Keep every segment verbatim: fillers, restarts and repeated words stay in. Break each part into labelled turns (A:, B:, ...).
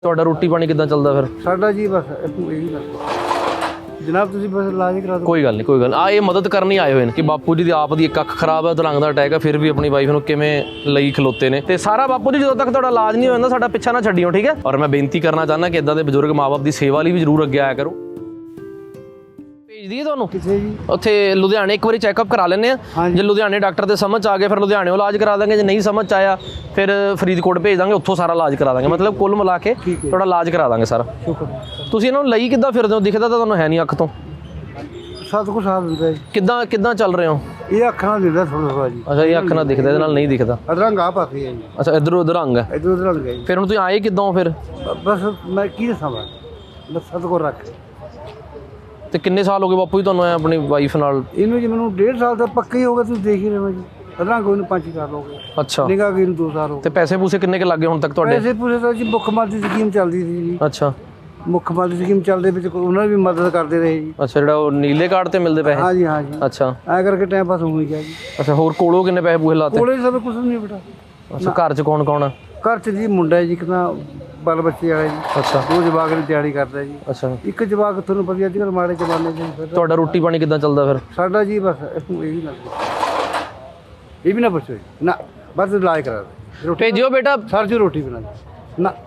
A: ਤੁਹਾਡਾ ਰੋਟੀ ਪਾਣੀ ਕਿੱਦਾਂ ਚੱਲਦਾ ਫਿਰ?
B: ਸਾਡਾ ਜੀ ਬਸ ਇਹੀ ਗੱਲ ਜਨਾਬ, ਤੁਸੀਂ ਬਸ ਇਲਾਜ ਕਰਾ ਦਿਓ।
A: ਕੋਈ ਗੱਲ ਨਹੀਂ, ਕੋਈ ਗੱਲ ਆ ਇਹ ਮਦਦ ਕਰਨ ਹੀ ਆਏ ਹੋਏ ਨੇ ਕਿ ਬਾਪੂ ਜੀ ਦੀ ਆਪ ਦੀ ਇੱਕ ਅੱਖ ਖਰਾਬ ਹੈ, ਦਰੰਗ ਦਾ ਅਟੈਕ ਹੈ, ਫਿਰ ਵੀ ਆਪਣੀ ਵਾਈਫ ਨੂੰ ਕਿਵੇਂ ਲਈ ਖਲੋਤੇ ਨੇ। ਤੇ ਸਾਰਾ ਬਾਪੂ ਜੀ ਜਦੋਂ ਤੱਕ ਤੁਹਾਡਾ ਇਲਾਜ ਨਹੀਂ ਹੋ ਜਾਂਦਾ ਸਾਡਾ ਪਿੱਛਾ ਨਾ ਛੱਡਿਓ, ਠੀਕ ਹੈ। ਔਰ ਮੈਂ ਬੇਨਤੀ ਕਰਨਾ ਚਾਹੁੰਦਾ ਕਿ ਇਦਾਂ ਦੇ ਬਜ਼ੁਰਗ ਮਾਂ-ਬਾਪ ਦੀ ਸੇਵਾ ਲਈ ਵੀ ਜ਼ਰੂਰ ਅੱਗੇ ਆਇਆ ਕਰੋ। ਭੇਜ ਦਈਏ ਤੁਹਾਨੂੰ
B: ਕਿੱਥੇ ਜੀ?
A: ਉੱਥੇ ਲੁਧਿਆਣੇ ਇੱਕ ਵਾਰੀ ਚੈੱਕਅਪ ਕਰਾ ਲੈਂਦੇ ਆ। ਜੇ ਲੁਧਿਆਣੇ ਡਾਕਟਰ ਦੇ ਸਮਝ ਆ ਗਏ ਫਿਰ ਲੁਧਿਆਣੇੋਂ ਇਲਾਜ ਕਰਾ ਦਾਂਗੇ, ਜੇ ਨਹੀਂ ਸਮਝ ਆਇਆ ਫਿਰ ਫਰੀਦਕੋਟ ਭੇਜ ਦਾਂਗੇ, ਉੱਥੋਂ ਸਾਰਾ ਇਲਾਜ ਕਰਾ ਦਾਂਗੇ। ਮਤਲਬ ਕੁੱਲ ਮਿਲਾ ਕੇ ਤੁਹਾਡਾ ਇਲਾਜ ਕਰਾ ਦਾਂਗੇ ਸਾਰਾ। ਤੁਸੀਂ ਇਹਨਾਂ ਨੂੰ ਲਈ ਕਿੱਦਾਂ ਫਿਰਦੇ ਹੋ? ਦਿਖਦਾ ਤਾਂ ਤੁਹਾਨੂੰ ਹੈ ਨਹੀਂ ਅੱਖ ਤੋਂ।
B: ਸੱਤ ਕੁ ਸਾਲ ਹੁੰਦਾ ਜੀ।
A: ਕਿੱਦਾਂ ਕਿੱਦਾਂ ਚੱਲ ਰਹੇ ਹੋ?
B: ਇਹ ਅੱਖਾਂ ਨਾਲ ਦਿਖਦਾ ਥੋੜਾ ਥੋੜਾ ਜੀ।
A: ਅੱਛਾ, ਇਹ ਅੱਖ ਨਾਲ ਦਿਖਦਾ, ਇਹਦੇ ਨਾਲ ਨਹੀਂ ਦਿਖਦਾ।
B: ਰੰਗ ਆ ਪਾਸੇ ਹੈ ਜੀ।
A: ਅੱਛਾ, ਇੱਧਰ ਉੱਧਰ ਰੰਗ ਹੈ।
B: ਇੱਧਰ ਉੱਧਰ ਰੰਗ ਹੈ ਜੀ।
A: ਫਿਰ ਹੁਣ ਤੁਸੀਂ ਆਏ ਕਿੱਦਾਂ ਫਿਰ?
B: ਬਸ ਮੈਂ ਕੀ ਦੱਸਾਂ, ਬਸ ਸੱਤ ਕੋ ਰੱਖ।
A: ਤੇ ਕਿੰਨੇ ਸਾਲ ਹੋ ਗਏ ਬਾਪੂ ਜੀ ਤੁਹਾਨੂੰ ਐ ਆਪਣੀ ਵਾਈਫ ਨਾਲ?
B: ਇਹਨੂੰ ਜੀ ਮੈਨੂੰ ਡੇਢ ਸਾਲ ਦਾ ਪੱਕਾ ਹੀ ਹੋ ਗਿਆ, ਤੁਸੀਂ ਦੇਖ ਹੀ ਰਹੇ ਹੋ ਜੀ। ਰੰਗ ਉਹਨੂੰ ਪੰਜ ਸਾਲ ਹੋ ਗਏ।
A: ਅੱਛਾ,
B: ਨਿਗਾਹ ਗਈ ਨੂੰ ਦੋ ਸਾਲ ਹੋ ਗਏ।
A: ਤੇ ਪੈਸੇ ਪੂਸੇ ਕਿੰਨੇ ਕੁ ਲੱਗੇ ਹੁਣ ਤੱਕ ਤੁਹਾਡੇ?
B: ਪੈਸੇ ਪੂਸੇ ਤਾਂ ਜੀ ਮੁੱਖ ਮੰਤਰੀ ਸਕੀਮ ਚੱਲਦੀ ਸੀ ਜੀ।
A: ਅੱਛਾ,
B: ਮੁੱਖ ਮੰਤਰੀ ਸਕੀਮ ਚੱਲਦੇ ਵਿੱਚ ਉਹਨਾਂ ਵੀ ਮਦਦ ਕਰਦੇ ਰਹੇ ਜੀ।
A: ਅੱਛਾ, ਜਿਹੜਾ ਉਹ ਨੀਲੇ ਕਾਰਡ ਤੇ ਮਿਲਦੇ ਪੈਸੇ?
B: ਹਾਂ ਜੀ, ਹਾਂ ਜੀ।
A: ਅੱਛਾ,
B: ਐ ਕਰਕੇ ਟਾਈਮ ਪਾਸ ਹੋ ਗਿਆ ਜੀ।
A: ਅੱਛਾ, ਹੋਰ ਕੋਲੋਂ ਕਿੰਨੇ ਪੈਸੇ ਪੂਸੇ ਲਾਤੇ?
B: ਕੋਲੇ ਸਭ ਕੁਝ ਨਹੀਂ ਬੇਟਾ।
A: ਅੱਛਾ, ਘਰ 'ਚ ਕੌਣ ਕੌਣ ਆ?
B: ਘਰ 'ਚ ਜੀ ਮੁੰਡਾ ਹੈ ਜੀ, ਇੱਕ ਤਾਂ ਬਾਲ ਬੱਚੇ ਵਾਲਾ ਜੀ।
A: ਅੱਛਾ,
B: ਦੋ ਜਵਾਕ ਦੀ ਤਿਆਰੀ ਕਰਦਾ ਜੀ।
A: ਅੱਛਾ,
B: ਇੱਕ ਜਵਾਕ ਤੁਹਾਨੂੰ ਪਤਾ ਅੱਜ ਕੱਲ੍ਹ ਮਾੜੇ ਜ਼ਮਾਨੇ 'ਚ ਫਿਰ
A: ਤੁਹਾਡਾ ਰੋਟੀ ਪਾਣੀ ਕਿੱਦਾਂ ਚੱਲਦਾ ਫਿਰ?
B: ਸਾਡਾ ਜੀ ਬਸ ਇਹੀ ਨਾ ਇਹ ਵੀ ਨਾ ਪੁੱਛੋ ਜੀ, ਨਾ ਬਸ ਇਲਾਜ ਕਰਾ ਦੇ। ਰੋਟੀ
A: ਭੇਜਿਓ ਬੇਟਾ।
B: ਸਰ ਜੀ ਰੋਟੀ ਬਣਾ ਦੇ ਨਾ।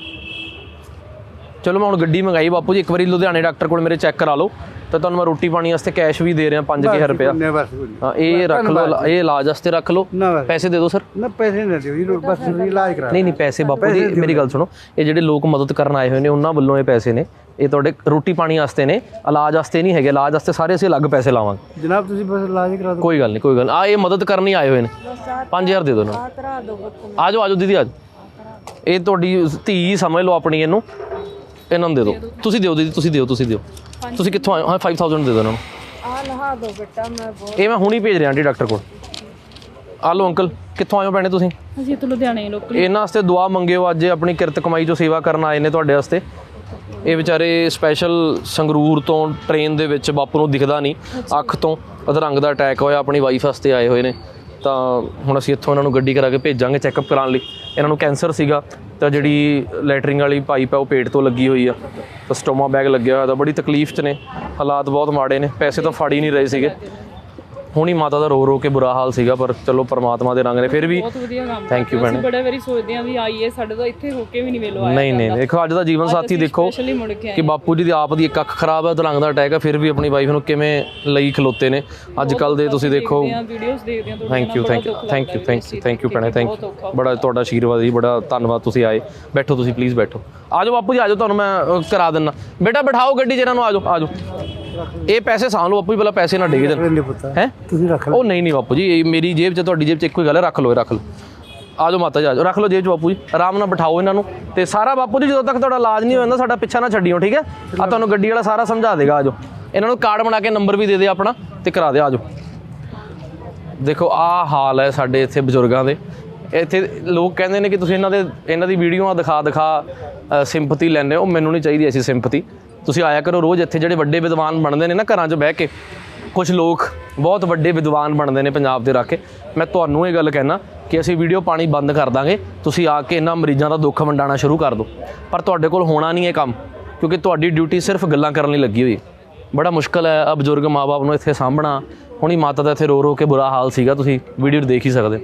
A: ਚਲੋ ਮੈਂ ਹੁਣ ਗੱਡੀ ਮੰਗਾਈ ਬਾਪੂ ਜੀ, ਇੱਕ ਵਾਰੀ ਲੁਧਿਆਣੇ ਡਾਕਟਰ ਕੋਲ ਮੇਰੇ ਚੈੱਕ ਕਰਾ ਲਓ ਤੇ ਤੁਹਾਨੂੰ ਮੈਂ ਰੋਟੀ ਪਾਣੀ ਵਾਸਤੇ ਕੈਸ਼ ਵੀ ਦੇ ਰਿਹਾ ਪੰਜ ਹਜ਼ਾਰ ਰੁਪਇਆ। ਹਾਂ, ਇਹ ਰੱਖ ਲਓ, ਇਹ ਇਲਾਜ ਵਾਸਤੇ ਰੱਖ ਲਓ। ਪੈਸੇ ਦੇ ਦਿਓ ਸਰ।
B: ਨਾ ਪੈਸੇ ਨਾ ਦਿਓ ਜੀ, ਬਸ ਇਲਾਜ ਕਰਾ।
A: ਨਹੀਂ ਨਹੀਂ, ਪੈਸੇ ਬਾਪੂ ਜੀ ਮੇਰੀ ਗੱਲ ਸੁਣੋ, ਇਹ ਜਿਹੜੇ ਲੋਕ ਮਦਦ ਕਰਨ ਆਏ ਹੋਏ ਨੇ ਉਹਨਾਂ ਵੱਲੋਂ ਇਹ ਪੈਸੇ ਨੇ, ਇਹ ਤੁਹਾਡੇ ਰੋਟੀ ਪਾਣੀ ਵਾਸਤੇ ਨੇ, ਇਲਾਜ ਵਾਸਤੇ ਨਹੀਂ ਹੈਗੇ। ਇਲਾਜ ਵਾਸਤੇ ਸਾਰੇ ਅਸੀਂ ਅਲੱਗ ਪੈਸੇ ਲਾਵਾਂਗੇ।
B: ਜਨਾਬ ਤੁਸੀਂ ਬਸ ਇਲਾਜ ਕਰਾ ਦਿਓ।
A: ਕੋਈ ਗੱਲ ਨਹੀਂ, ਕੋਈ ਗੱਲ। ਆ ਇਹ ਮਦਦ ਕਰਨ ਹੀ ਆਏ ਹੋਏ ਨੇ। ਪੰਜ ਹਜ਼ਾਰ ਦੇ ਦਿਓ ਨਾ। ਆ ਜਾਓ ਆ ਜਾਓ ਦੀਦੀ, ਆ ਜਾਓ। ਇਹ ਤੁਹਾਡੀ ਧੀ ਸਮਝ ਲਓ ਆਪਣੀ, ਇਹਨੂੰ ਇਹਨਾਂ ਨੂੰ ਦੇ ਦਿਓ। ਤੁਸੀਂ ਦਿਓ ਦੀਦੀ, ਤੁਸੀਂ ਦਿਓ, ਤੁਸੀਂ ਦਿਓ। ਤੁਸੀਂ ਕਿੱਥੋਂ ਆਏ ਹੋ? ਹਾਂ, ਪੰਜ ਹਜ਼ਾਰ ਦੇ ਦਿਓ ਇਹਨਾਂ ਨੂੰ।
C: ਆ ਲਹਾ ਦੋ ਬੇਟਾ, ਮੈਂ ਬਹੁਤ
A: ਇਹ ਮੈਂ ਹੁਣੀ ਭੇਜ ਰਿਹਾ ਆਂਟੀ ਡਾਕਟਰ ਕੋਲ। ਆ ਲਓ ਅੰਕਲ, ਕਿੱਥੋਂ ਆਏ ਹੋ ਭੈਣੇ ਤੁਸੀਂ?
C: ਅਸੀਂ ਤੋਂ ਲੁਧਿਆਣੇ ਲੋਕਲ।
A: ਇਹਨਾਂ ਵਾਸਤੇ ਦੁਆ ਮੰਗਿਓ, ਅੱਜ ਆਪਣੀ ਕਿਰਤ ਕਮਾਈ ਚੋਂ ਸੇਵਾ ਕਰਨ ਆਏ ਨੇ ਤੁਹਾਡੇ ਵਾਸਤੇ। ਇਹ ਵਿਚਾਰੇ ਸਪੈਸ਼ਲ ਸੰਗਰੂਰ ਤੋਂ ਟ੍ਰੇਨ ਦੇ ਵਿੱਚ, ਬਾਪੂ ਨੂੰ ਦਿਖਦਾ ਨਹੀਂ, ਅੱਖ ਤੋਂ ਅਧਰੰਗ ਦਾ ਅਟੈਕ ਹੋਇਆ, ਆਪਣੀ ਵਾਈਫ ਵਾਸਤੇ ਆਏ ਹੋਏ ਨੇ। ਤਾਂ ਹੁਣ ਅਸੀਂ ਇੱਥੋਂ ਇਹਨਾਂ ਨੂੰ ਗੱਡੀ ਕਰਾ ਕੇ ਭੇਜਾਂਗੇ ਚੈੱਕਅਪ ਕਰਾਉਣ ਲਈ। ਇਹਨਾਂ ਨੂੰ ਕੈਂਸਰ ਸੀਗਾ, ਤਾਂ ਜਿਹੜੀ ਲੈਟਰਿੰਗ ਵਾਲੀ ਪਾਈਪ ਹੈ ਉਹ ਪੇਟ ਤੋਂ ਲੱਗੀ ਹੋਈ ਆ, ਤਾਂ ਸਟੋਮਾ ਬੈਗ ਲੱਗਿਆ ਹੋਇਆ, ਤਾਂ ਬੜੀ ਤਕਲੀਫ 'ਚ ਨੇ, ਹਾਲਾਤ ਬਹੁਤ ਮਾੜੇ ਨੇ। ਪੈਸੇ ਤਾਂ ਫੜ ਹੀ ਨਹੀਂ ਰਹੇ ਸੀਗੇ। ਹੁਣੀ ਮਾਤਾ ਦਾ ਰੋ ਰੋ ਕੇ ਬੁਰਾ ਹਾਲ ਸੀਗਾ, ਪਰ ਚਲੋ ਪਰਮਾਤਮਾ ਦੇ ਰੰਗ ਨੇ ਫਿਰ ਵੀ।
C: ਬਹੁਤ ਵਧੀਆ ਕੰਮ।
A: ਥੈਂਕ ਯੂ ਭੈਣੇ।
C: ਬੜੇ ਵਾਰੀ ਸੋਚਦੇ ਆਂ ਵੀ ਆਈਏ, ਸਾਡੇ ਤੋਂ ਇੱਥੇ ਹੋ ਕੇ ਵੀ ਨਹੀਂ ਵੇਲੋ ਆਇਆ।
A: ਨਹੀਂ ਨਹੀਂ, ਦੇਖੋ ਅੱਜ ਦਾ ਜੀਵਨ ਸਾਥੀ ਦੇਖੋ ਕਿ ਬਾਪੂ ਜੀ ਦੀ ਆਪ ਦੀ ਇੱਕ ਅੱਖ ਖਰਾਬ ਹੈ, ਦਰੰਗ ਦਾ ਅਟੈਕ ਹੈ, ਫਿਰ ਵੀ ਆਪਣੀ ਵਾਈਫ ਨੂੰ ਕਿਵੇਂ ਲਈ ਖਲੋਤੇ ਨੇ। ਅੱਜ ਕੱਲ ਦੇ ਤੁਸੀਂ ਦੇਖੋ।
C: ਵੀਡੀਓਜ਼ ਦੇਖਦੇ ਆਂ।
A: Thank you thank you thank you thank you thank you ਭੈਣੇ, ਥੈਂਕ ਯੂ। ਬੜਾ ਤੁਹਾਡਾ ਆਸ਼ੀਰਵਾਦ ਜੀ, ਬੜਾ ਧੰਨਵਾਦ। ਤੁਸੀਂ ਆਏ, ਬੈਠੋ ਤੁਸੀਂ ਪਲੀਜ਼ ਬੈਠੋ। ਆ ਜਾਓ ਬਾਪੂ ਜੀ, ਆ ਜਾਓ, ਤੁਹਾਨੂੰ ਮੈਂ ਕਰਾ ਦਿੰਦਾ। ਬੇਟਾ ਬਿਠਾਓ ਗੱਡੀ 'ਚ ਇਹਨਾਂ ਨੂੰ, ਆ ਜਾਓ ਆ ਜਾਓ। ਇਹ ਪੈਸੇ ਸਾਂਭ ਲਓ ਬਾਪੂ ਜੀ, ਪਹਿਲਾਂ ਪੈਸੇ ਨਾ ਡਿੱਗ ਜਾਣ। ਹੈ
B: ਤੁਸੀਂ ਰੱਖ ਲਓ।
A: ਉਹ ਨਹੀਂ ਨਹੀਂ ਬਾਪੂ ਜੀ, ਇਹ ਮੇਰੀ ਜੇਬ 'ਚ ਤੁਹਾਡੀ ਜੇਬ 'ਚ ਇੱਕੋ ਹੀ ਗੱਲ ਹੈ, ਰੱਖ ਲਓ, ਇਹ ਰੱਖ ਲਓ। ਆ ਜਾਓ ਮਾਤਾ ਜੀ, ਆ ਜਾਓ, ਰੱਖ ਲਓ ਜੇਬ 'ਚ ਬਾਪੂ ਜੀ, ਆਰਾਮ ਨਾਲ ਬਿਠਾਓ ਇਹਨਾਂ ਨੂੰ। ਤੇ ਸਾਰਾ ਬਾਪੂ ਜੀ ਜਦੋਂ ਤੱਕ ਤੁਹਾਡਾ ਇਲਾਜ ਨਹੀਂ ਹੋ ਜਾਂਦਾ ਸਾਡਾ ਪਿੱਛਾ ਨਾ ਛੱਡਿਓ, ਠੀਕ ਹੈ। ਆ ਤੁਹਾਨੂੰ ਗੱਡੀ ਵਾਲਾ ਸਾਰਾ ਸਮਝਾ ਦੇਗਾ। ਆ ਜਾਓ, ਇਹਨਾਂ ਨੂੰ ਕਾਰਡ ਬਣਾ ਕੇ ਨੰਬਰ ਵੀ ਦੇ ਦੇ ਆਪਣਾ ਤੇ ਕਰਾ ਦੇ। ਆ ਜਾਓ। ਦੇਖੋ ਆਹ ਹਾਲ ਹੈ ਸਾਡੇ ਇੱਥੇ ਬਜ਼ੁਰਗਾਂ ਦੇ। ਇੱਥੇ ਲੋਕ ਕਹਿੰਦੇ ਨੇ ਕਿ ਤੁਸੀਂ ਇਹਨਾਂ ਦੇ ਇਹਨਾਂ ਦੀ ਵੀਡੀਓਆਂ ਦਿਖਾ ਦਿਖਾ ਸਿੰਪਥੀ ਲੈਂਦੇ ਹੋ। ਮੈਨੂੰ ਨਹੀਂ ਚਾਹੀਦੀ ਐਸੀ ਸਿੰਪਥੀ। ਤੁਸੀਂ ਆਇਆ ਕਰੋ ਰੋਜ਼ ਇੱਥੇ। ਜਿਹੜੇ ਵੱਡੇ ਵਿਦਵਾਨ ਬਣਦੇ ਨੇ ਨਾ ਘਰਾਂ 'ਚ ਬਹਿ ਕੇ, ਕੁਝ ਲੋਕ ਬਹੁਤ ਵੱਡੇ ਵਿਦਵਾਨ ਬਣਦੇ ਨੇ ਪੰਜਾਬ ਦੇ ਰੱਖ ਕੇ। ਮੈਂ ਤੁਹਾਨੂੰ ਇਹ ਗੱਲ ਕਹਿਣਾ ਕਿ ਅਸੀਂ ਵੀਡੀਓ ਪਾਣੀ ਬੰਦ ਕਰ ਦਾਂਗੇ, ਤੁਸੀਂ ਆ ਕੇ ਇਹਨਾਂ ਮਰੀਜ਼ਾਂ ਦਾ ਦੁੱਖ ਵੰਡਾਉਣਾ ਸ਼ੁਰੂ ਕਰ ਦਿਓ। ਪਰ ਤੁਹਾਡੇ ਕੋਲ ਹੋਣਾ ਨਹੀਂ ਇਹ ਕੰਮ, ਕਿਉਂਕਿ ਤੁਹਾਡੀ ਡਿਊਟੀ ਸਿਰਫ ਗੱਲਾਂ ਕਰਨ ਲਈ ਲੱਗੀ ਹੋਈ। ਬੜਾ ਮੁਸ਼ਕਲ ਹੈ ਆ ਬਜ਼ੁਰਗ ਮਾਂ-ਬਾਪ ਨੂੰ ਇੱਥੇ ਸਾਂਭਣਾ। ਹੁਣੀ ਮਾਤਾ ਦਾ ਇੱਥੇ ਰੋ ਰੋ ਕੇ ਬੁਰਾ ਹਾਲ ਸੀਗਾ, ਤੁਸੀਂ ਵੀਡੀਓ ਦੇਖ ਹੀ ਸਕਦੇ।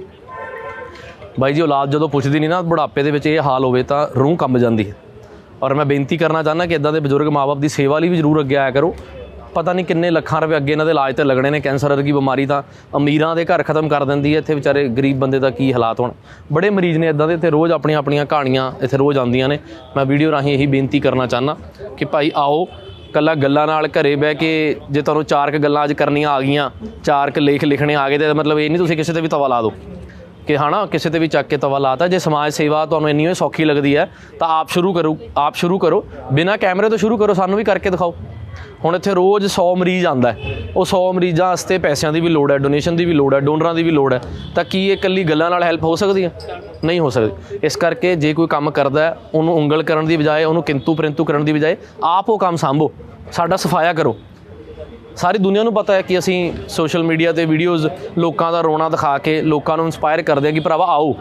A: ਬਾਈ ਜੀ, ਔਲਾਦ ਜਦੋਂ ਪੁੱਛਦੀ ਨਹੀਂ ਨਾ, ਬੁਢਾਪੇ ਦੇ ਵਿੱਚ ਇਹ ਹਾਲ ਹੋਵੇ ਤਾਂ ਰੂਹ ਕੰਬ ਜਾਂਦੀ ਹੈ। ਔਰ ਮੈਂ ਬੇਨਤੀ ਕਰਨਾ ਚਾਹੁੰਦਾ ਕਿ ਇੱਦਾਂ ਦੇ ਬਜ਼ੁਰਗ ਮਾਂ-ਬਾਪ ਦੀ ਸੇਵਾ ਲਈ ਵੀ ਜ਼ਰੂਰ ਅੱਗੇ ਆਇਆ ਕਰੋ। ਪਤਾ ਨਹੀਂ ਕਿੰਨੇ ਲੱਖਾਂ ਰੁਪਏ ਅੱਗੇ ਇਹਨਾਂ ਦੇ ਇਲਾਜ 'ਤੇ ਲੱਗਣੇ ਨੇ। ਕੈਂਸਰ ਵਰਗੀ ਬਿਮਾਰੀ ਤਾਂ ਅਮੀਰਾਂ ਦੇ ਘਰ ਖਤਮ ਕਰ ਦਿੰਦੀ ਹੈ, ਇੱਥੇ ਵਿਚਾਰੇ ਗਰੀਬ ਬੰਦੇ ਦਾ ਕੀ ਹਾਲਾਤ ਹੋਣ। ਬੜੇ ਮਰੀਜ਼ ਨੇ ਇੱਦਾਂ ਦੇ, ਇੱਥੇ ਰੋਜ਼ ਆਪਣੀਆਂ ਆਪਣੀਆਂ ਕਹਾਣੀਆਂ ਇੱਥੇ ਰੋਜ਼ ਆਉਂਦੀਆਂ ਨੇ। ਮੈਂ ਵੀਡੀਓ ਰਾਹੀਂ ਇਹੀ ਬੇਨਤੀ ਕਰਨਾ ਚਾਹੁੰਦਾ ਕਿ ਭਾਈ ਆਓ, ਕੱਲਾ ਗੱਲਾਂ ਨਾਲ ਘਰੇ ਬਹਿ ਕੇ ਜੇ ਤੁਹਾਨੂੰ ਚਾਰ ਕੁ ਗੱਲਾਂ ਅੱਜ ਕਰਨੀਆਂ ਆ ਗਈਆਂ, ਚਾਰ ਕੁ ਲੇਖ ਲਿਖਣੇ ਆ ਗਏ, ਤਾਂ ਮਤਲਬ ਇਹ ਨਹੀਂ ਤੁਸੀਂ ਕਿਸੇ 'ਤੇ ਵੀ ਤਵਾ ਲਾ ਦਿਓ ਕਿ ਹਾਂ ਨਾ ਕਿਸੇ 'ਤੇ ਵੀ ਚੱਕ ਕੇ ਤਵਾ ਲਾਤਾ। ਜੇ ਸਮਾਜ ਸੇਵਾ ਤੁਹਾਨੂੰ ਇੰਨੀ ਸੌਖੀ ਲੱਗਦੀ ਹੈ ਤਾਂ ਆਪ ਸ਼ੁਰੂ ਕਰੋ, ਆਪ ਸ਼ੁਰੂ ਕਰੋ, ਬਿਨਾਂ ਕੈਮਰੇ ਤੋਂ ਸ਼ੁਰੂ ਕਰੋ, ਸਾਨੂੰ ਵੀ ਕਰਕੇ ਦਿਖਾਓ। ਹੁਣ ਇੱਥੇ ਰੋਜ਼ ਸੌ ਮਰੀਜ਼ ਆਉਂਦਾ, ਉਹ ਸੌ ਮਰੀਜ਼ਾਂ ਵਾਸਤੇ ਪੈਸਿਆਂ ਦੀ ਵੀ ਲੋੜ ਹੈ, ਡੋਨੇਸ਼ਨ ਦੀ ਵੀ ਲੋੜ ਹੈ, ਡੋਨਰਾਂ ਦੀ ਵੀ ਲੋੜ ਹੈ। ਤਾਂ ਕੀ ਇਹ ਇਕੱਲੀ ਗੱਲਾਂ ਨਾਲ ਹੈਲਪ ਹੋ ਸਕਦੀ ਹੈ? ਨਹੀਂ ਹੋ ਸਕਦੀ। ਇਸ ਕਰਕੇ ਜੇ ਕੋਈ ਕੰਮ ਕਰਦਾ ਹੈ, ਉਹਨੂੰ ਉਂਗਲ ਕਰਨ ਦੀ ਬਜਾਏ, ਉਹਨੂੰ ਕਿੰਤੂ ਪਰੰਤੂ ਕਰਨ ਦੀ ਬਜਾਏ ਆਪ ਉਹ ਕੰਮ ਸਾਂਭੋ, ਸਾਡਾ ਸਫਾਇਆ ਕਰੋ। ਸਾਰੀ ਦੁਨੀਆ ਨੂੰ ਪਤਾ ਹੈ ਕਿ ਅਸੀਂ ਸੋਸ਼ਲ ਮੀਡੀਆ 'ਤੇ ਵੀਡੀਓਜ਼ ਲੋਕਾਂ ਦਾ ਰੋਣਾ ਦਿਖਾ ਕੇ ਲੋਕਾਂ ਨੂੰ ਇੰਸਪਾਇਰ ਕਰਦੇ ਹਾਂ ਕਿ ਭਰਾਵਾ ਆਓ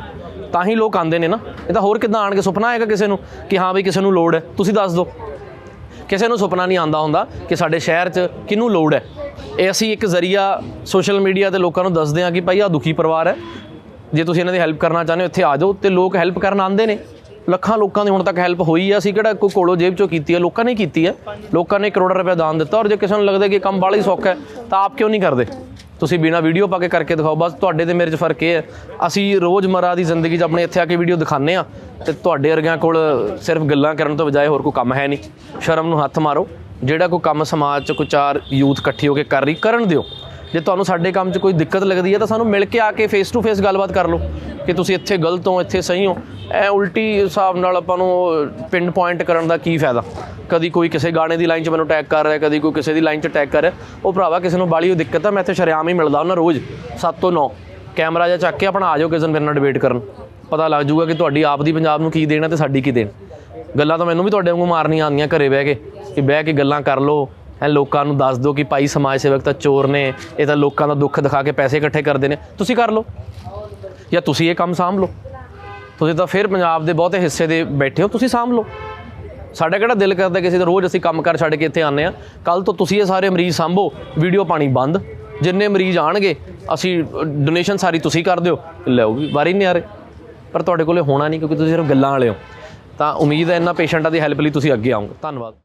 A: ਤਾਂ ਹੀ ਲੋਕ ਆਉਂਦੇ ਨੇ ਨਾ। ਇਹ ਤਾਂ ਹੋਰ ਕਿੱਦਾਂ ਆਣ ਕੇ ਸੁਪਨਾ ਆਏਗਾ ਕਿਸੇ ਨੂੰ ਕਿ ਹਾਂ ਬਈ ਕਿਸੇ ਨੂੰ ਲੋੜ ਹੈ? ਤੁਸੀਂ ਦੱਸ ਦਿਓ। ਕਿਸੇ ਨੂੰ ਸੁਪਨਾ ਨਹੀਂ ਆਉਂਦਾ ਹੁੰਦਾ ਕਿ ਸਾਡੇ ਸ਼ਹਿਰ 'ਚ ਕਿਹਨੂੰ ਲੋੜ ਹੈ। ਇਹ ਅਸੀਂ ਇੱਕ ਜ਼ਰੀਆ ਸੋਸ਼ਲ ਮੀਡੀਆ 'ਤੇ ਲੋਕਾਂ ਨੂੰ ਦੱਸਦੇ ਹਾਂ ਕਿ ਭਾਈ ਆਹ ਦੁਖੀ ਪਰਿਵਾਰ ਹੈ, ਜੇ ਤੁਸੀਂ ਇਹਨਾਂ ਦੀ ਹੈਲਪ ਕਰਨਾ ਚਾਹੁੰਦੇ ਹੋ ਇੱਥੇ ਆ ਜਾਓ। ਤੇ ਲੋਕ ਹੈਲਪ ਕਰਨ ਆਉਂਦੇ ਨੇ। ਲੱਖਾਂ ਲੋਕਾਂ ਦੀ ਹੁਣ ਤੱਕ ਹੈਲਪ ਹੋਈ ਹੈ। ਅਸੀਂ ਕਿਹੜਾ ਕੋਈ ਕੋਲੋਂ ਜੇਬ 'ਚੋਂ ਕੀਤੀ ਹੈ, ਲੋਕਾਂ ਨੇ ਕੀਤੀ ਹੈ। ਲੋਕਾਂ ਨੇ ਕਰੋੜਾਂ ਰੁਪਏ ਦਾਨ ਦਿੱਤਾ। ਔਰ ਜੇ ਕਿਸੇ ਨੂੰ ਲੱਗਦਾ ਕਿ ਕੰਮ ਬਾਹਲਾ ਹੀ ਸੌਖਾ ਹੈ ਤਾਂ ਆਪ ਕਿਉਂ ਨਹੀਂ ਕਰਦੇ? ਤੁਸੀਂ ਬਿਨਾਂ ਵੀਡੀਓ ਪਾ ਕੇ ਕਰਕੇ ਦਿਖਾਓ। ਬਸ ਤੁਹਾਡੇ ਤੇ ਮੇਰੇ 'ਚ ਫਰਕ ਇਹ ਹੈ, ਅਸੀਂ ਰੋਜ਼ਮਰਾ ਦੀ ਜ਼ਿੰਦਗੀ 'ਚ ਆਪਣੇ ਇੱਥੇ ਆ ਕੇ ਵੀਡੀਓ ਦਿਖਾਉਂਦੇ ਹਾਂ ਤੇ ਤੁਹਾਡੇ ਵਰਗਿਆਂ ਕੋਲ ਸਿਰਫ ਗੱਲਾਂ ਕਰਨ ਤੋਂ ਬਜਾਏ ਹੋਰ ਕੋਈ ਕੰਮ ਹੈ ਨਹੀਂ। ਸ਼ਰਮ ਨੂੰ ਹੱਥ ਮਾਰੋ। ਜਿਹੜਾ ਕੋਈ ਕੰਮ ਸਮਾਜ 'ਚ ਕੋਈ ਚਾਰ ਯੂਥ ਇਕੱਠੀ ਹੋ ਕੇ ਕਰ ਰਹੀ, ਕਰਨ ਦਿਓ। ਜੇ ਤੁਹਾਨੂੰ ਸਾਡੇ ਕੰਮ 'ਚ ਕੋਈ ਦਿੱਕਤ ਲੱਗਦੀ ਹੈ ਤਾਂ ਸਾਨੂੰ ਮਿਲ ਕੇ ਆ ਕੇ ਫੇਸ ਟੂ ਫੇਸ ਗੱਲਬਾਤ ਕਰ ਲਓ ਕਿ ਤੁਸੀਂ ਇੱਥੇ ਗਲਤ ਹੋ, ਇੱਥੇ ਸਹੀ ਹੋ। ਐ ਉਲਟੀ ਹਿਸਾਬ ਨਾਲ ਆਪਾਂ ਨੂੰ ਪਿੰਨ ਪੁਆਇੰਟ ਕਰਨ ਦਾ ਕੀ ਫਾਇਦਾ? ਕਦੀ ਕੋਈ ਕਿਸੇ ਗਾਣੇ ਦੀ ਲਾਈਨ 'ਚ ਮੈਨੂੰ ਟੈਗ ਕਰ ਰਿਹਾ, ਕਦੀ ਕੋਈ ਕਿਸੇ ਦੀ ਲਾਈਨ 'ਚ ਟੈਗ ਕਰ ਰਿਹਾ। ਉਹ ਭਰਾਵਾ ਕਿਸੇ ਨੂੰ ਬਾਲੀ ਉਹ ਦਿੱਕਤ ਆ, ਮੈਂ ਇੱਥੇ ਸ਼ਰੇਆਮ ਹੀ ਮਿਲਦਾ ਉਹਨਾਂ ਰੋਜ਼ ਸੱਤ ਤੋਂ ਨੌ। ਕੈਮਰਾ ਜਿਹਾ ਚੱਕ ਕੇ ਆਪਣਾ ਆ ਜਾਓ ਕਿਸੇ ਦਿਨ ਮੇਰੇ ਨਾਲ ਡਿਬੇਟ ਕਰਨ, ਪਤਾ ਲੱਗ ਜਾਊਗਾ ਕਿ ਤੁਹਾਡੀ ਆਪ ਦੀ ਪੰਜਾਬ ਨੂੰ ਕੀ ਦੇਣਾ ਤੇ ਸਾਡੀ ਕੀ ਦੇਣ। ਗੱਲਾਂ ਤਾਂ ਮੈਨੂੰ ਵੀ ਤੁਹਾਡੇ ਵਾਂਗੂ ਮਾਰਨੀਆਂ ਆਉਂਦੀਆਂ ਘਰੇ ਬਹਿ ਕੇ, ਕਿ ਬਹਿ ਕੇ ਗੱਲਾਂ ਕਰ ਲਓ। ਐ ਲੋਕਾਂ ਨੂੰ ਦੱਸ ਦਿਓ ਕਿ ਭਾਈ ਸਮਾਜ ਸੇਵਕ ਤਾਂ ਚੋਰ ਨੇ, ਇਹ ਤਾਂ ਲੋਕਾਂ ਦਾ ਦੁੱਖ ਦਿਖਾ ਕੇ ਪੈਸੇ ਇਕੱਠੇ ਕਰਦੇ ਨੇ। ਤੁਸੀਂ ਕਰ ਲਓ ਜਾਂ ਤੁਸੀਂ ਇਹ ਕੰਮ ਸਾਂਭ ਲਓ। ਤੁਸੀਂ ਤਾਂ ਫਿਰ ਪੰਜਾਬ ਦੇ ਬਹੁਤੇ ਹਿੱਸੇ ਦੇ ਬੈਠੇ ਹੋ, ਤੁਸੀਂ ਸਾਂਭ ਲਓ। ਸਾਡਾ ਕਿਹੜਾ ਦਿਲ ਕਰਦਾ ਕਿਸੇ ਦਾ ਰੋਜ਼ ਅਸੀਂ ਕੰਮ ਕਰ ਛੱਡ ਕੇ ਇੱਥੇ ਆਉਂਦੇ ਹਾਂ। ਕੱਲ੍ਹ ਤੋਂ ਤੁਸੀਂ ਇਹ ਸਾਰੇ ਮਰੀਜ਼ ਸਾਂਭੋ, ਵੀਡੀਓ ਪਾਣੀ ਬੰਦ। ਜਿੰਨੇ ਮਰੀਜ਼ ਆਉਣਗੇ ਅਸੀਂ ਡੋਨੇਸ਼ਨ ਸਾਰੀ ਤੁਸੀਂ ਕਰ ਦਿਓ, ਲਿਆਓ ਵੀ ਵਾਰੀ ਨਹੀਂ ਆ ਰਹੇ। ਪਰ ਤੁਹਾਡੇ ਕੋਲੇ ਹੋਣਾ ਨਹੀਂ ਕਿਉਂਕਿ ਤੁਸੀਂ ਸਿਰਫ ਗੱਲਾਂ ਵਾਲੇ ਹੋ। ਤਾਂ ਉਮੀਦ ਹੈ ਇਹਨਾਂ ਪੇਸ਼ੈਂਟਾਂ ਦੀ ਹੈਲਪ ਲਈ ਤੁਸੀਂ ਅੱਗੇ ਆਓਗੇ। ਧੰਨਵਾਦ।